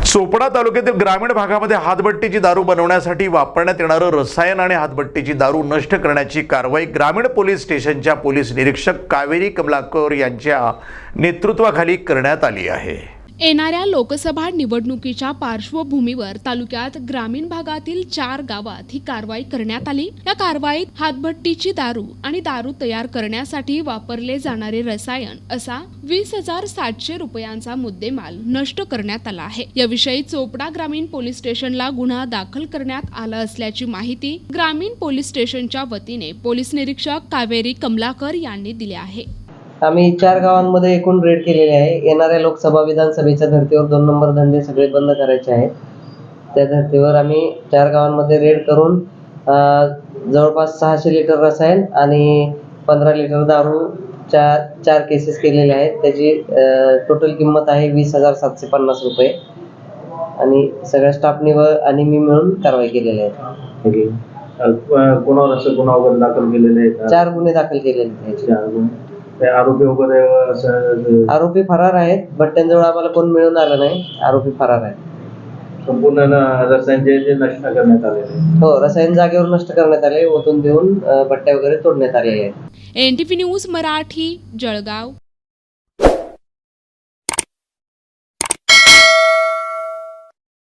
चोपडा तालुक्यातील ग्रामीण भागामध्ये हातभट्टीची दारू बनवण्यासाठी वापरण्यात येणारं रसायन आणि हातभट्टीची दारू नष्ट करण्याची कारवाई ग्रामीण पोलीस स्टेशनच्या पोलीस निरीक्षक कावेरी कमलाकर यांच्या नेतृत्वाखाली करण्यात आली आहे। येणाऱ्या लोकसभा निवडणुकीच्या पार्श्वभूमीवर तालुक्यात ग्रामीण भागातील 4 गावात ही कारवाई करण्यात आली। या कारवाईत हातभट्टीची दारू आणि दारू तयार करण्यासाठी वापरले जाणारे रसायन असा 20,700 रुपयांचा मुद्देमाल नष्ट करण्यात आला आहे। याविषयी चोपडा ग्रामीण पोलीस स्टेशनला गुन्हा दाखल करण्यात आला असल्याची माहिती ग्रामीण पोलीस स्टेशनच्या वतीने पोलीस निरीक्षक कावेरी कमलाकर यांनी दिली आहे। आम्ही 4 गावांमध्ये एकूण रेड केलेले आहे। येणाऱ्या लोकसभा विधानसभेच्या धर्तीवर 2 नंबर धंदे सगळे बंद करायचे आहेत। त्या धर्तीवर आम्ही 4 गावांमध्ये रेड करून जवळपास 600 लिटर रसायन आणि 15 लिटर दारू 4 केसेस केलेले आहेत। त्याची टोटल किंमत आहे 20,750 रुपये आणि सगळ्या स्टाफनी आणि मी मिळून कारवाई केलेली आहे। कोणावर असं गुन्हा वगैरे दाखल केलेले आहेत? 4 गुन्हे दाखल केलेले आहेत। 4 गुन्हे। आरोपी वगैरे असं आरोपी फरार आहेत, बट त्यांच्याजवळ आम्हाला कोण मिळून आलं नाही। आरोपी फरार आहेत। संपूर्ण रसायन जे नष्ट करण्यात आलेले? हो, रसायन जागेवर नष्ट करण्यात आले, ओतून देऊन भट्ट्या वगैरे तोडण्यात आलेले आहेत। NTV news Marathi, Jalgaon.